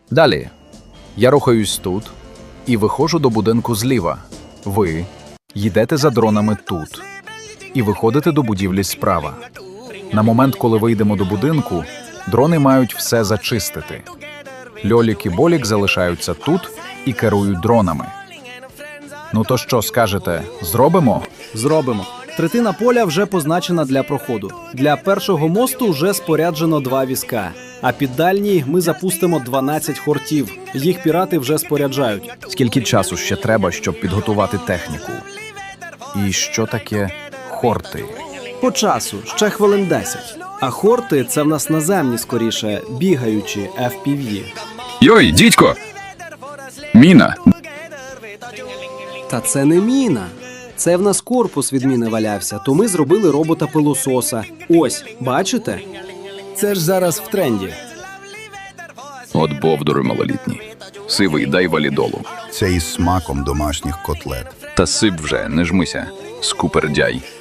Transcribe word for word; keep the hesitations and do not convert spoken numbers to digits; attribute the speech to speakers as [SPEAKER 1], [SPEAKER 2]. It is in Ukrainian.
[SPEAKER 1] Далі. Я рухаюсь тут і виходжу до будинку зліва. Ви йдете за дронами тут і виходите до будівлі справа. На момент, коли вийдемо до будинку, дрони мають все зачистити. Льолік і Болік залишаються тут і керують дронами. Ну то що, скажете, зробимо?
[SPEAKER 2] Зробимо. Третина поля вже позначена для проходу. Для першого мосту вже споряджено два візка. А під дальній ми запустимо дванадцять хортів. Їх пірати вже споряджають.
[SPEAKER 1] Скільки часу ще треба, щоб підготувати техніку? І що таке хорти?
[SPEAKER 2] По часу ще хвилин десять. А хорти – це в нас наземні, скоріше, бігаючі еф пі ві.
[SPEAKER 3] Йой, дідько! Міна!
[SPEAKER 2] Та це не міна. Це в нас корпус від міни валявся, то ми зробили робота-пилососа. Ось, бачите? Це ж зараз в тренді.
[SPEAKER 3] От бовдури малолітні. Сивий, дай валідолу.
[SPEAKER 4] Це із смаком домашніх котлет.
[SPEAKER 3] Та сип вже, не жмися. Скупердяй.